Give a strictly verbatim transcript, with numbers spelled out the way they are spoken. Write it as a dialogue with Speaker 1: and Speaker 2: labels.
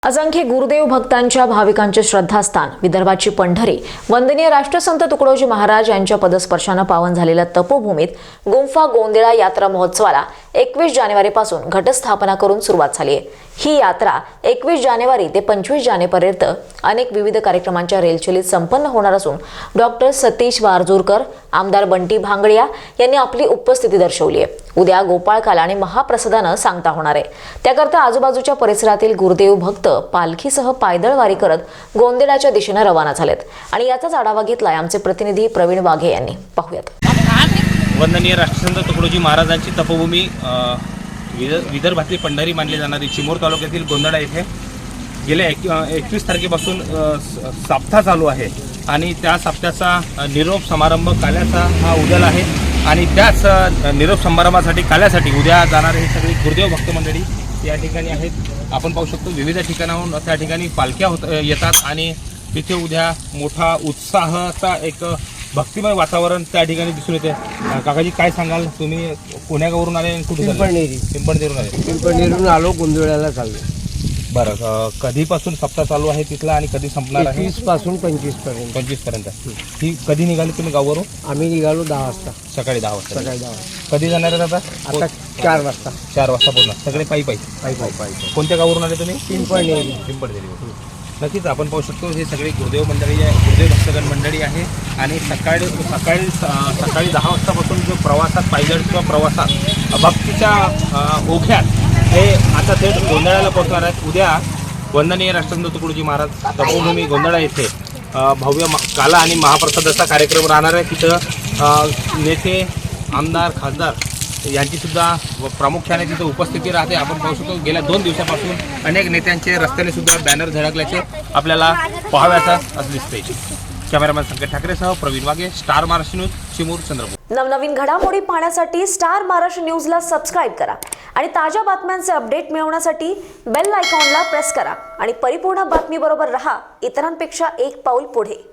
Speaker 1: असंख्य गुरुदेव भक्तांच्या भाविकांचे श्रद्धास्थान विदर्भाची पंढरी वंदनीय राष्ट्रसंत तुकडोजी महाराज यांच्या पदस्पर्शाने पावन झालेल्या तपोभूमीत गुंफा गोंदेळा यात्रा महोत्सवाला एकवीस जानेवारीपासून घटस्थापना करून सुरुवात झाली आहे। ही यात्रा एकवीस जानेवारी ते पंचवीस जानेवारीपर्यंत अनेक विविध कार्यक्रमांच्या रेलचलीत संपन्न होणार असून डॉक्टर सतीश वारजूरकर, आमदार बंटी भांगडिया यांनी आपली उपस्थिती दर्शवली आहे। उद्या गोपाळकाल आणि महाप्रसादाने सांगता होणार आहे। त्याकरता आजूबाजूच्या परिसरातील गुरुदेव भक्त पालखीसह पायदळ वारी करत गोंदेळाच्या दिशेने रवाना झालेत आणि याचाच आढावा घेतलाय आमचे प्रतिनिधी प्रवीण वाघे यांनी। पाहूयात।
Speaker 2: वंदनीय राष्ट्रसंत तुकडोजी महाराजांची तपोभूमी विदर्भातली पंढरी मानली जाणारी चिमूर तालुक्यातील गोंदेळा येथे गेल्या एक एकवीस तारखेपासून सप्ताह चालू आहे आणि त्या सप्ताहाचा निरोप समारंभ काल्याचा हा उद्याला आहे आणि त्याच निरोप समारंभासाठी काल्यासाठी उद्या जाणारे हे सगळी गुरुदेव भक्त मंडळी या ठिकाणी आहेत। आपण पाहू शकतो विविध ठिकाणाहून त्या ठिकाणी पालख्या होत येतात आणि तिथे उद्या मोठा उत्साहाचा एक भक्तिमय वातावरण त्या ठिकाणी दिसून येते। काकाजी काय सांगाल, तुम्ही पुण्यावरून आले कुठे?
Speaker 3: पिंपळनेरी
Speaker 2: पिंपळनेरून आले।
Speaker 3: पिंपळनेरून आलो, गोंदेळ्याला चाललो।
Speaker 2: बरं, कधीपासून सप्ताह चालू आहे तिथला आणि कधी संपणार आहे?
Speaker 3: एकवीस पासून पंचवीस पर्यंत
Speaker 2: पंचवीस पर्यंत ही कधी निघाली तुम्ही गावावरून?
Speaker 3: आम्ही निघालो दहा वाजता
Speaker 2: सकाळी दहा वाजता।
Speaker 3: सकाळी दहा वाजता
Speaker 2: कधी जाणार आहेत आता?
Speaker 3: आता चार वाजता
Speaker 2: चार वाजता पूर्ण सगळे पायी पायी
Speaker 3: पायी पायी पायी
Speaker 2: कोणत्या गावावरून आले तुम्ही?
Speaker 3: पिंपळनेरी
Speaker 2: पिंपळनेरी। नक्कीच आपण पाहू शकतो हे सगळे गुरुदेव मंडळी आहे, गुरुदेव भक्तगण मंडळी आहे आणि सकाळी सकाळी सकाळी दहा वाजतापासून जो प्रवासात पायदळ किंवा प्रवासात भक्तीच्या ओघ्यात हे आता थेट गोंधळाला पोहोचणार आहेत। उद्या वंदनीय राष्ट्रसंत तुकडोजी महाराज तपोभूमी गोंदेळा येथे भव्य काला आणि महाप्रसादाचा कार्यक्रम राहणार आहे। तिथं नेते, आमदार, खासदार यांची सुद्धा प्रामुख्याने तिथे उपस्थिती राहते। आपण पाहू शकतो गेल्या दोन दिवसापासून अनेक नेत्यांचे रस्त्याने सुद्धा बॅनर झळकल्याचे आपल्याला पाहाव्याचं असं दिसतंय। कॅमेरामॅन संकेत ठाकरेसह प्रवीण वाघे, स्टार महाराष्ट्र न्यूज, चिमूर, चंद्रपूर।
Speaker 1: नवनवीन घडामोडी पाहण्यासाठी स्टार महाराष्ट्र न्यूजला सबस्क्राईब करा आणि ताज्या बातम्यांचे अपडेट मिळवण्यासाठी बेल आयकॉनला प्रेस करा आणि परिपूर्ण बातमीबरोबर रहा, इतरांपेक्षा एक पाऊल पुढे।